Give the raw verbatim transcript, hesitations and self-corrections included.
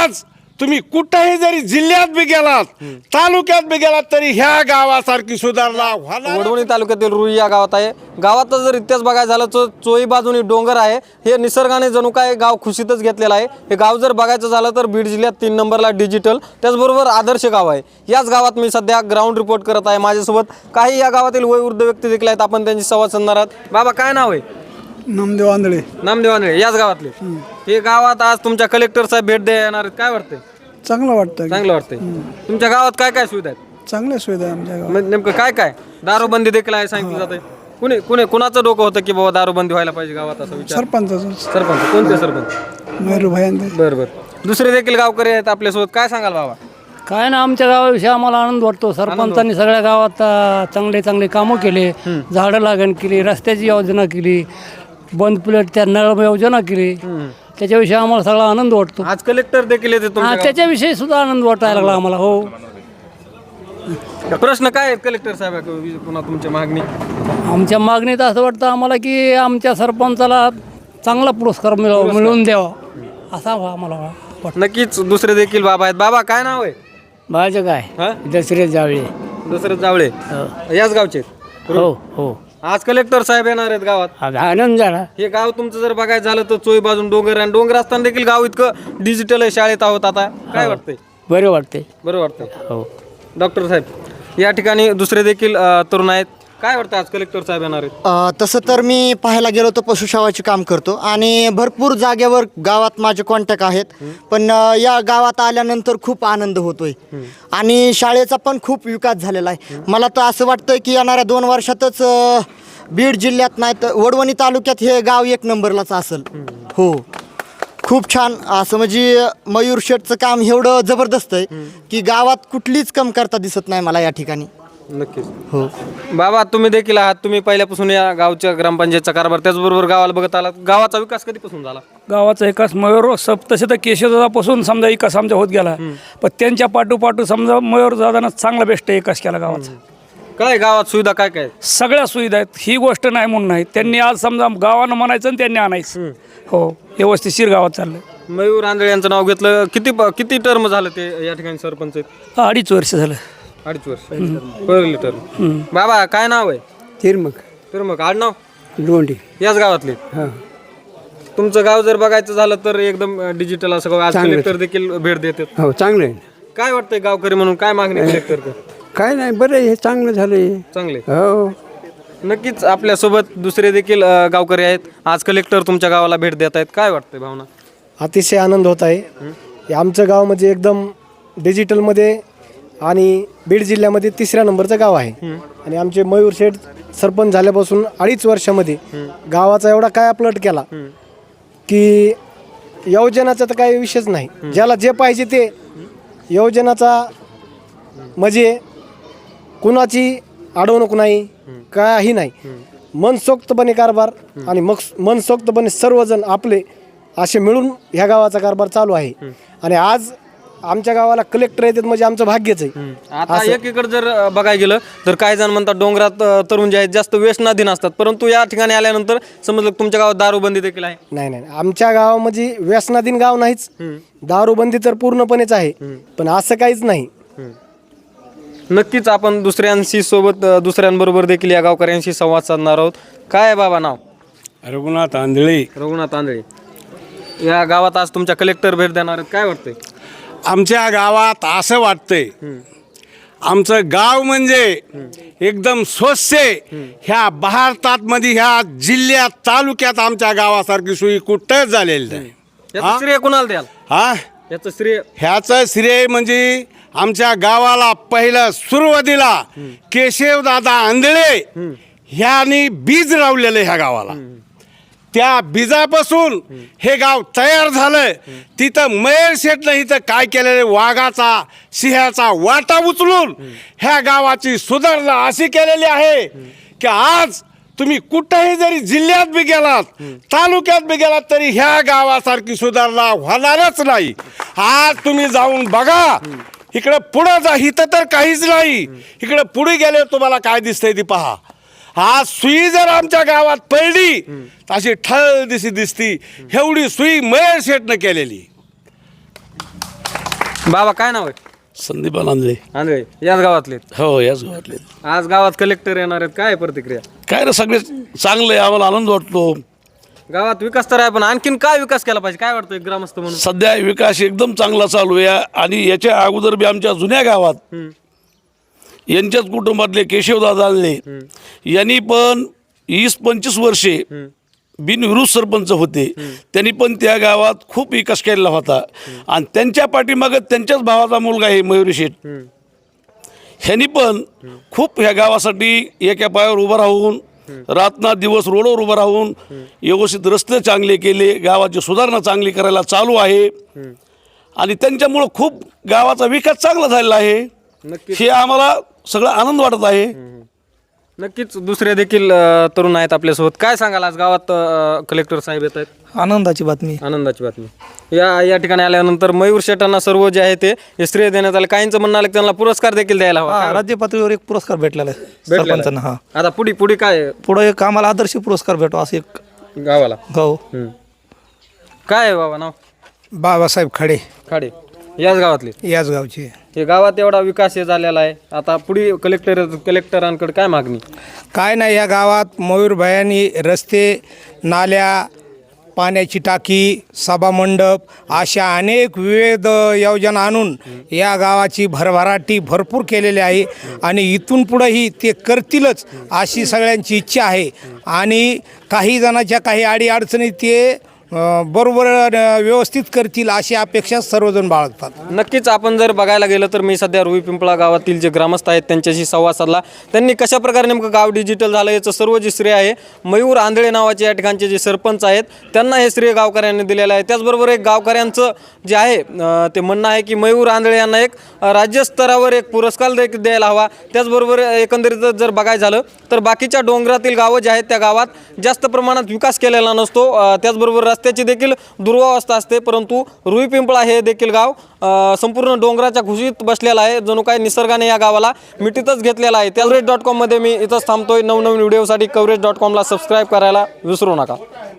आज तुम्ही कुठेही जरी जिल्ह्यात बी गेलात तालुक्यात बी गेलात तरी ह्या गावासारखी सुधारणा होणार. वडवणी तालुक्यातील रुई या गावात आहे. गावाचा जर इतिहास बघायला झाला तर चोई बाजूनी डोंगर आहे. हे निसर्गाने जणू काय गाव खुशीतच घेतलेलं आहे. हे गाव जर बघायचं झालं तर बीड जिल्ह्यात तीन नंबरला डिजिटल, त्याचबरोबर आदर्श गाव आहे. याच गावात मी सध्या ग्राउंड रिपोर्ट करत आहे. माझ्यासोबत काही या गावातील वयोवृद्ध व्यक्ती देखील आहेत. आपण त्यांची संवाद साधणार आहोत. बाबा काय नाव आहे? नामदेव आंधळे. नामदेव आंधळे याच गावातले. हे गावात आज तुमच्या कलेक्टर साहेब भेट द्या येणार आहेत. काय वाटतंय? चांगलं वाटतं. चांगलं वाटतंय. तुमच्या गावात काय काय सुविधा आहेत? चांगल्या सुविधा आहे आमच्या गावात. म्हणजे नेमकं काय काय? दारूबंदी देखील आहे सांगितलं जातंय. कुणी कुणी कुणाचं डोकं होतं की बाबा दारूबंदी व्हायला पाहिजे गावात असं विचार? सरपंचाचं. सरपंच. कोणते सरपंच? मयूर भाई. बरं बरं. दुसरे देखील गावकरी आहेत आपल्यासोबत. काय सांगाल बाबा? काय ना, आमच्या गावाविषयी आम्हाला आनंद वाटतो. सरपंचांनी सगळ्या गावात अ, चांगले चांगले कामं केले. झाडं लागण केली, रस्त्याची योजना केली, बंद प्लेट त्या नळ योजना केली. त्याच्याविषयी आम्हाला सगळा आनंद वाटतो. आज कलेक्टर देखील येते हा, तुमच्या त्याच्याविषयी सुद्धा आनंद वाटायला लागला आम्हाला. हो. गावात. प्रश्न काय आहेत कलेक्टर साहेब पुन्हा तुमच्या मागणी? आमच्या मागणीत असं वाटतं आम्हाला की आमच्या सरपंचाला चांगला पुरस्कार मिळव मिळवून द्यावा असा आम्हाला वाटतं. नक्कीच दुसरे देखील बाबा आहेत. बाबा काय नाव आहे? माझं काय हा? दसरे जावळे. दुसरे जावळे याच गावचे आहेत? हो हो. आज कलेक्टर साहेब येणार आहेत गावात. आज आनंद झाला. हे गाव तुमचं जर बघायचं झालं तर चोई बाजून डोंगर आणि डोंगर असताना देखील गाव इतकं डिजिटल आहे. शाळेत आहोत आता. काय वाटतंय? बरं वाटते. बरं वाटतंय. हो. डॉक्टर साहेब या ठिकाणी दुसरे देखील अ, तरुण आहेत. काय वाटतं आज कलेक्टर साहेब येणार आहेत? अ, तसं तर मी पाहायला गेलो तर पशुसेवाचे काम करतो आणि भरपूर जागेवर गावात माझे कॉन्टॅक्ट आहेत. पण अ, या गावात आल्यानंतर खूप आनंद होतोय आणि शाळेचा पण खूप विकास झालेला आहे. मला तर असं वाटतं की येणाऱ्या दोन वर्षातच अ, बीड जिल्ह्यात नाही तर वडवणी तालुक्यात हे गाव एक नंबरलाच असेल. हो, खूप छान. असं म्हणजे मयूर शेठचं काम एवढं जबरदस्त आहे की गावात कुठलीच कमतरता दिसत नाही मला या ठिकाणी. नक्कीच. हो बाबा, तुम्ही देखील आहात. तुम्ही पहिल्यापासून या गावच्या ग्रामपंचायतचा कारभार त्याचबरोबर गावाला बघत आलात. गावाचा विकास कधीपासून झाला? गावाचा विकास मयूर सब तसे तर केशवदादापासून समजा विकास आमचा होत गेला. पण त्यांच्या पाठोपाठू समजा मयूर दादानं चांगला बेस्ट विकास केला गावाचा. काय गावात सुविधा काय काय आहेत? सगळ्या सुविधा आहेत. ही गोष्ट नाही म्हणून नाही. त्यांनी आज समजा गावानं म्हणायचं आणि त्यांनी आणायचं. हो, व्यवस्थितशीर गावात चाललं. मयूर आंधळे यांचं नाव घेतलं. किती किती टर्म झालं ते या ठिकाणी सरपंच आहेत? अडीच वर्ष झालं. अडीच वर्ष. पहिली टर्म. बाबा काय नाव आहे? तिरमग. तर मग आडनाव? लोंढी. याच गावातले. तुमचं गाव जर बघायचं झालं तर एकदम डिजिटल असं गाव. आज कलेक्टर देखील भेट देतात. हो, चांगलं आहे. काय वाटतंय गावकरी म्हणून काय मागणी कलेक्टर? काय नाही, बरं हे चांगलं झालं. चांगले. हो. नक्कीच आपल्यासोबत दुसरे देखील अ, गावकरी आहेत. आज कलेक्टर तुमच्या गावाला भेट देत आहेत. काय वाटतंय भावना? अतिशय आनंद होत आहे. हे आमचं गाव म्हणजे एकदम डिजिटलमध्ये आणि बीड जिल्ह्यामध्ये तिसऱ्या नंबरचं गाव आहे. आणि आमचे मयूर शेठ सरपंच झाल्यापासून अडीच वर्षामध्ये गावाचा एवढा काय अपलट केला की योजनाचा तर काही विषयच नाही. ज्याला जे पाहिजे ते योजनाचा म्हणजे कुणाची अडवणूक नाही, काही नाही. मनसोक्तपणे कारभार आणि मग मनसोक्तपणे सर्वजण आपले असे मिळून ह्या गावाचा कारभार चालू आहे. आणि आज आमच्या गावाला कलेक्टर येतात म्हणजे आमचं भाग्यच आहे. आता एकीकडे जर अ, बघायला गेलं तर काही जण म्हणतात डोंगरात अ, तरुण जे आहेत जास्त व्यसनाधीन असतात, परंतु या ठिकाणी आल्यानंतर समजलं की तुमच्या गावात दारूबंदी देखील आहे. नाही नाही, आमच्या गावामध्ये व्यसनाधीन गाव नाहीच. दारूबंदी तर पूर्णपणेच आहे, पण असं काहीच नाही. नक्कीच आपण दुसऱ्यांशी सोबत अ, दुसऱ्यांबरोबर देखील या गावकऱ्यांशी संवाद साधणार आहोत. काय आहे बाबा नाव? रघुनाथ आंधळे. रघुनाथ आंधळे या गावात आज तुमच्या कलेक्टर भेट देणार आहेत. काय वाटतंय? आमच्या गावात असं वाटतंय आमचं गाव म्हणजे एकदम स्वच्छ ह्या भारतात मध्ये ह्या जिल्ह्यात तालुक्यात आमच्या गावासारखी सोयी कुठंच झालेली नाही. याचं श्रेय कुणाला द्याल? हा, याचं श्रेय ह्याचं श्रेय म्हणजे आमच्या गावाला पहिलं सुरुवातीला केशवदादा आंधळे ह्यांनी बीज लावलेलं ह्या गावाला. त्या बीजापासून हे गाव तयार झालं. तिथं मयूर शेठनं इथं काय केलेलं, वाघाचा सिंहाचा वाटा उचलून ह्या गावाची सुधारणा अशी केलेली आहे की आज तुम्ही कुठेही जरी जिल्ह्यात बी गेलात तालुक्यात बी गेलात तरी ह्या गावासारखी सुधारणा होणारच नाही. आज तुम्ही जाऊन बघा. इकडं पुढं जा, इथं तर काहीच नाही. इकडं पुढे गेले तुम्हाला काय दिसतंय ती पहा. आज सुई जर आमच्या गावात पडली अशी ठळ दिसी दिसती. एवढी सुई मयूर शेठनं केलेली. बाबा काय नाव आहे? संदीप आनंदले. आंधळे याच गावातले. हो याच गावातले. आज गावात कलेक्टर येणार आहेत, काय प्रतिक्रिया? काय रे सगळे चांगले आहे, आम्हाला आनंद वाटतो. गावात विकास तर आहे, पण आणखीन काय विकास केला पाहिजे, काय वाटतं एक ग्रामस्थ म्हणून? सध्या विकास एकदम चांगला चालू आहे आणि याच्या अगोदर बी आमच्या जुन्या गावात यांच्याच कुटुंबातले केशवदादा आंधळे यांनी पण वीस पंचवीस वर्षे बिनविरोध सरपंच होते. त्यांनी पण त्या गावात खूप विकास केलेला होता आणि त्यांच्या पाठीमागं त्यांच्याच भावाचा मुलगा आहे मयुरी शेठ. ह्यांनी पण खूप ह्या गावासाठी एका पायावर उभं राहून रातना दिवस रोडवर उभं राहून व्यवस्थित रस्ते चांगले केले, गावाची सुधारणा चांगली करायला चालू आहे आणि त्यांच्यामुळं खूप गावाचा विकास चांगला झालेला आहे. हे आम्हाला सगळं आनंद वाटत आहे. नक्कीच दुसरे देखील अ, तरुण आहेत आपल्यासोबत. काय सांगाल आज गावात अ, कलेक्टर साहेब येत आहेत? आनंदाची बातमी. आनंदाची बातमी. या या ठिकाणी आल्यानंतर मयूर शेटांना सर्व जे आहे ते हे श्रेय देण्यात आलं. काहींचं म्हणणं आलं की त्यांना पुरस्कार देखील द्यायला हवा. हा, राज्य पातळीवर एक पुरस्कार भेटलेला आहे भेटलेला आहे. सरपंचांना. हा, आता पुढे पुढे काय आहे पुढे एक आम्हाला आदर्श पुरस्कार भेटो असं एक गावाला? गाव. हम्म. काय आहे बाबा नाव? बाबासाहेब खडे खाडे याच गावातले. याच गावचे. हे गावात एवढा विकास हे झालेला आहे, आता पुढे कलेक्टर कलेक्टरांकडे काय मागणी? काय नाही, या गावात मयूरभायांनी रस्ते, नाल्या, पाण्याची टाकी, सभामंडप अशा अनेक विविध योजना आणून या गावाची भरभराटी भरपूर केलेली आहे आणि इथून पुढंही ते करतीलच अशी सगळ्यांची इच्छा आहे. आणि काही जणांच्या काही अडीअडचणी ते अ, बरोबर अ, व्यवस्थित करतील अशी अपेक्षा सर्वजण बाळगतात. नक्कीच आपण जर बघायला गेलं तर मी सध्या रुई पिंपळा गावातील जे ग्रामस्थ आहेत त्यांच्याशी संवाद साधला. त्यांनी कशा प्रकारे नेमकं गाव डिजिटल झालं याचं सर्व जे श्रेय आहे मयूर आंधळे नावाचे या ठिकाणचे जे सरपंच आहेत त्यांना हे श्रेय गावकऱ्यांनी दिलेलं आहे. त्याचबरोबर एक गावकऱ्यांचं जे आहे अ, ते म्हणणं आहे की मयूर आंधळे यांना एक अ, राज्यस्तरावर एक पुरस्कार देखील द्यायला हवा. त्याचबरोबर एकंदरीत जर बघायचं झालं तर बाकीच्या डोंगरातील गावं जे आहेत त्या गावात जास्त प्रमाणात विकास केलेला नसतो. अ, त्याचबरोबर रस्त्याची देखील दुर्वावस्था असते, परंतु रुई पिंपळा हे देखील गाव अ, संपूर्ण डोंगराच्या खुशीत बसलेलं आहे. जणू काय निसर्गाने या गावाला मिठीतच घेतलेला आहे. कवरेज डॉट कॉममध्ये मी इथंच थांबतोय. नवनवीन व्हिडिओसाठी कवरेज डॉट कॉमला सबस्क्राईब करायला विसरू नका.